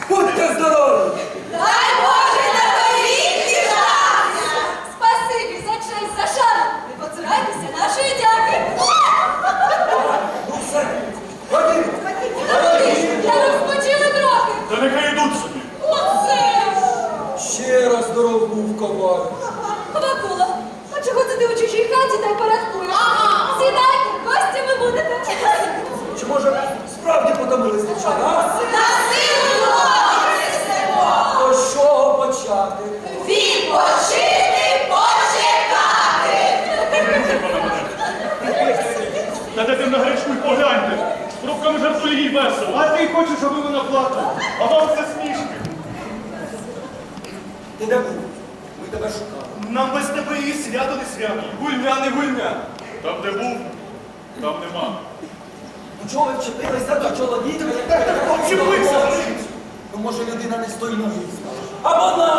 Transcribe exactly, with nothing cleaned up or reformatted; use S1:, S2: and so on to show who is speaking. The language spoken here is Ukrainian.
S1: Будьте здорові!
S2: Дай Боже на торік діждатися! Спасибі за честь, за шану! Не поцурайтеся нашої дяки!
S1: Ну все, ходіть!
S2: Я розпочили трохи!
S3: Та нехай йдуть собі.
S2: Оце!
S1: Ще раз здоров був ковар.
S2: Вакула, а чого це ти у чужій хаті та й порядкуєш? Ага! Сідайте, гостями будете!
S1: Чи може справді потомились дівчата, а?
S2: На силу несемо!
S1: То з чого почати?
S2: Відпочити, почекати!
S3: Та де ти на гречку й погляньте. З трубками жартує їй весело. А ти хочеш, аби вона плакала. А вам все смішки.
S1: Ти де був? Ми тебе шукали.
S3: Нам без тебе і свято не свято.
S1: Гульня, не гульня.
S3: Там, де був, там нема.
S1: Ну чого ви вчепилися до чоловіка?
S3: Вчепився!
S1: Ну може людина не з тої ноги стала. Або на